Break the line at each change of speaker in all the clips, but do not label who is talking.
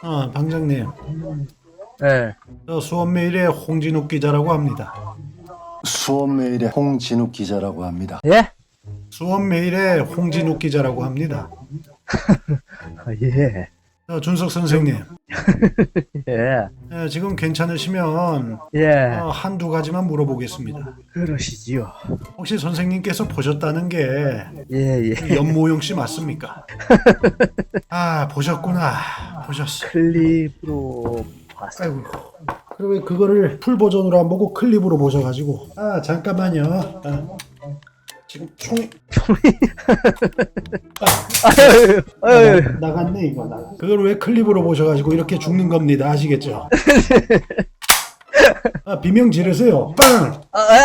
방장님.
네.
저 수원메일의 홍진욱 기자라고 합니다.
수원메일의 홍진욱 기자라고 합니다.
예?
수원메일의 홍진욱 기자라고 합니다.
아, 예.
준석 선생님.
예.
지금 괜찮으시면
예.
한두 가지만 물어보겠습니다.
그러시지요.
혹시 선생님께서 보셨다는 게
예, 예.
연모용 씨 맞습니까? 아, 보셨구나. 보셨어.
클립으로 봤어요.
아이고. 그리고 왜 그거를 풀 버전으로 안 보고 클립으로 보셔가지고. 잠깐만요. 지금 총이
아유.
나갔네 이거. 그걸 왜 클립으로 보셔가지고 이렇게 죽는 겁니다. 아시겠죠? 비명 지르세요. 빵!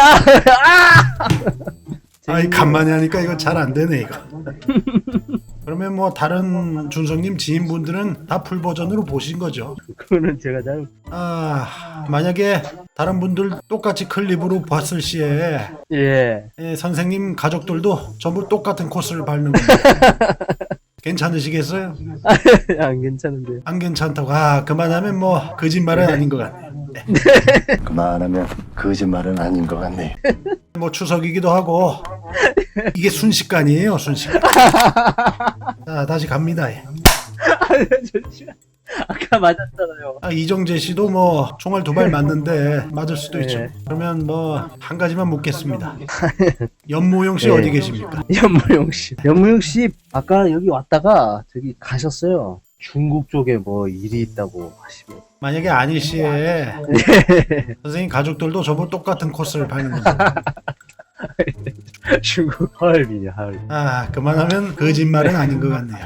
아이 간만에 하니까 이거 잘 안 되네 이거. 그러면 뭐 다른 준성님 지인분들은 다 풀 버전으로 보신 거죠?
그거는 제가 잘.
만약에 다른 분들 똑같이 클립으로 봤을 시에
예.
선생님 가족들도 전부 똑같은 코스를 밟는 겁니다. 괜찮으시겠어요?
안 괜찮은데.
안 괜찮다고. 그만하면 뭐 거짓말은 아닌 것 같네요. 네.
그만하면 거짓말은 아닌 것 같네요.
뭐 추석이기도 하고 이게 순식간이에요, 순식간. 자, 다시 갑니다.
잠시만. 아까 맞았잖아요.
이정재 씨도 뭐 총알 2발 맞는데 맞을 수도 있죠.
네.
그러면 뭐 한 가지만 묻겠습니다. 연모용 씨
네.
어디 계십니까?
연무용 씨. 연무용 씨 아까 여기 왔다가 저기 가셨어요. 중국 쪽에 뭐 일이 있다고 하시면.
만약에 아닐 시에 선생님 가족들도 저보고 똑같은 코스를 밟는 겁니다.
중국 하얼빈이야, 하얼빈.
그만하면 거짓말은 아닌 것 같네요.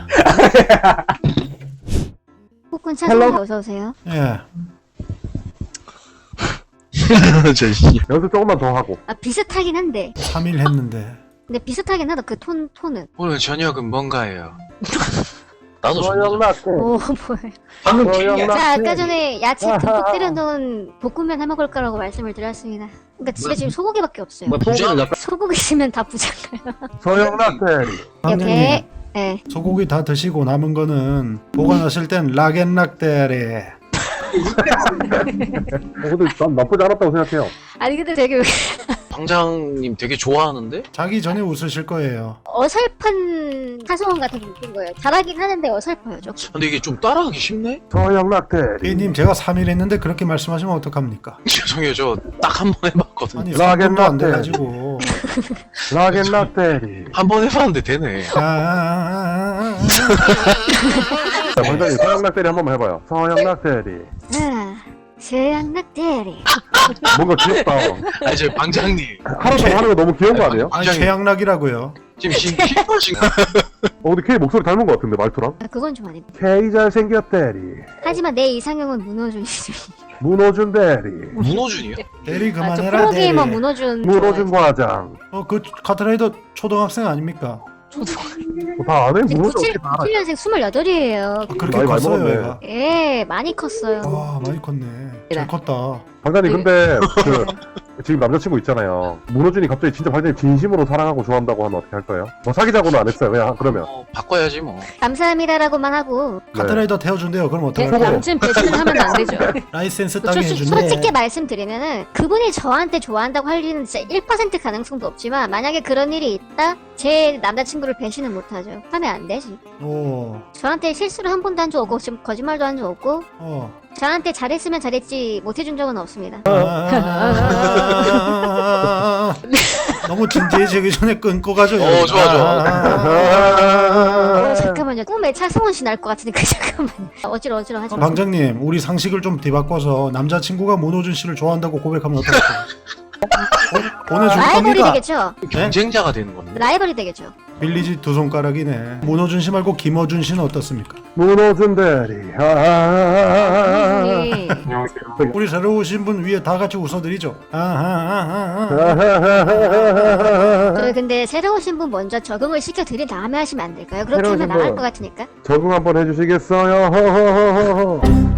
폭군 차선에 어서 오세요.
예.
연습 조금만 더 하고.
비슷하긴 한데.
3일 했는데.
근데 비슷하긴 하다. 그 톤은.
오늘 저녁은 뭔가예요? 나도
서영락대.
오 뭐예요? 자 아까 전에 야채 듬뿍 때려놓은 볶음면 해 먹을 거라고 말씀을 드렸습니다. 그러니까 집에 지금 소고기밖에 없어요.
부장?
소고기 있으면 다 부자인가요?
서영락대.
이렇게. 네.
소고기 다 드시고 남은 거는 보관하실 땐 락앤락대래.
근데 난 나쁘지 않았다고 생각해요.
아니 근데 되게
방장님 되게 좋아하는데?
자기 전에 웃으실 거예요.
어설픈 사소한 같은 게 웃긴 거예요. 잘하긴 하는데 어설퍼요 좀.
근데 이게 좀 따라하기 쉽네?
서영락대.
B님 제가 3일 했는데 그렇게 말씀하시면 어떡합니까?
죄송해요, 저 딱 한 번 해봤거든요.
아니 3분도 안 돼가지고.
락앤락대.
한 번 해봤는데 되네.
자, 원장님 서영락대리 한 번만 해봐요. 서영락대리.
세양낙대리.
뭔가 귀엽다.
아니, 저 방장님.
하루 종일 하는 거 너무 귀여운 거 아니에요?
아니 최양락이라고요.
지금 피곤하신 거.
근데 K 목소리 닮은 거 같은데 말투랑?
그건 좀 아닙니다.
K 잘생겼대리.
하지만 내 이상형은 문호준 씨.
문호준 대리.
문호준이요?
대리
저
그만해라
프로게이머
대리.
문호준.
문호준 과장.
그 카트라이더 초등학생 아닙니까?
다 아네? 문호준 어떻게 다 알아?
97년생 28이에요.
그렇게
나이 많이
컸어요
먹었네.
얘가.
예, 많이 컸어요.
많이 컸네. 잘 컸다.
방장님 근데 지금 남자친구 있잖아요. 문호준이 갑자기 진짜 방장님 진심으로 사랑하고 좋아한다고 하면 어떻게 할 거예요? 뭐 사귀자고는 안 했어요. 그냥 그러면
바꿔야지 뭐.
감사합니다라고만 하고.
카트라이더 태워준대요. 그럼
네,
어떡할까요?
남친 배신은 하면 안 되죠.
라이센스 따게 해준대.
솔직히 말씀드리면은 그분이 저한테 좋아한다고 할 일은 진짜 1% 가능성도 없지만 만약에 그런 일이 있다? 제 남자친구를 배신은 못하죠. 하면 안 되지.
오.
저한테 실수를 한 번도 한 적 없고 지금 거짓말도 한 적 없고 저한테 잘했으면 잘했지 못해준 적은 없습니다.
너무 진지해지기 전에 끊고가죠.
좋아.
잠깐만요. 꿈에 차승원 씨 날 것 같으니까 잠깐만요. 어지러 하지 마.
방장님, 우리 상식을 좀 뒤바꿔서 남자친구가 문호준 씨를 좋아한다고 고백하면 어떨까요? 보내줄
라이벌이
겁니까?
되겠죠?
경쟁자가 되는 건데.
라이벌이 되겠죠?
빌리지 2손가락이네. 문호준 씨 말고 김어준 씨는 어떻습니까?
문호준 대리.
네.
우리 새로 오신 분 위에 다 같이 웃어드리죠.
저희 근데 새로 오신 분 먼저 적응을 시켜드린 다음에 하시면 안 될까요? 그렇게
새로
하면
오신
나갈
분.
것 같으니까.
적응 한번 해주시겠어요?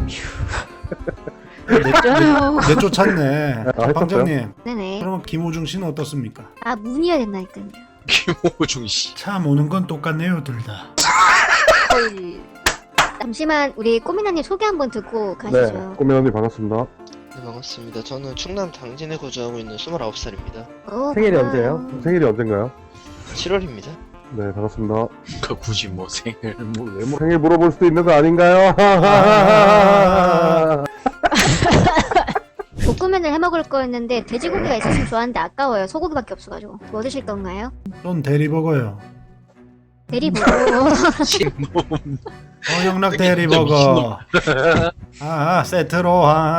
내쫓았네.
했었어요?
방장님,
네네.
그러면 김호중 씨는 어떻습니까?
문이어야 된다니까요.
김호중 씨.
참 오는 건 똑같네요, 둘 다.
잠시만 우리 꼬미나님 소개 한번 듣고
네,
가시죠.
꼬민 언니 반갑습니다.
네, 반갑습니다. 저는 충남 당진에 거주하고 있는 29살입니다.
오,
생일이
반가워요.
언제예요?
생일이 언젠가요?
7월입니다.
네, 반갑습니다.
그 굳이 뭐 생일 뭐 왜 뭐.
생일 물어볼 수도 있는 거 아닌가요?
볶음면을 해먹을 거였는데 돼지고기가 있었으면 좋았는데 아까워요. 소고기밖에 없어가지고. 뭐 드실 건가요?
전 대리버거요.
대리보고.
신몸.
영락 대리버거. 세트로.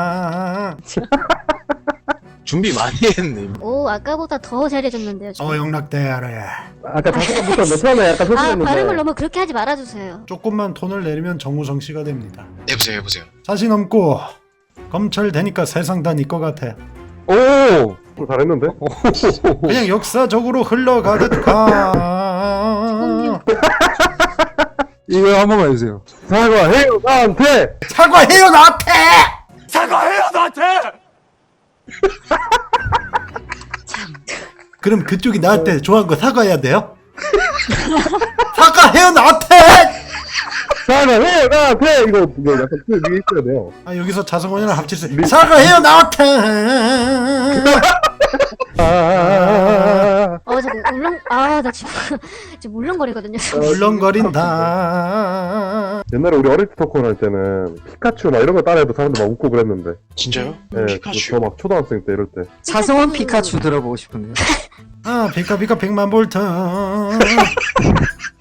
준비 많이 했네.
오, 아까보다 더 잘해줬는데요. 지금.
영락 대리.
아까 자세부터 처음에 약간
아,
소심했는데.
발음을 너무 그렇게 하지 말아주세요.
조금만 톤을 내리면 정우성 씨가 됩니다.
해보세요.
자신 없고 검찰 되니까 세상 다 네 거 같아.
오! 잘했는데?
그냥 역사적으로 흘러가듯 가.
이거 한 번만 해주세요.
사과해요 나한테!
사과해요 나한테. 그럼 그쪽이 나한테 좋아한 거 사과해야 돼요? 사과해요 나한테.
사과해요 나한테! 이거 약간 그 위에 있어야 돼요.
여기서 자성원이랑 합치세요. 사과해요 나한테.
자꾸 나 지금 울렁거리거든요.
울렁거린다.
옛날에 우리 어릴 때 토크를 할 때는 피카츄 막 이런 거 따라해도 사람들 막 웃고 그랬는데.
진짜요?
네,
피카츄.
저 막 초등학생 때 이럴 때.
차성원 피카츄 들어보고 싶은데요.
비카비카 100만 볼트.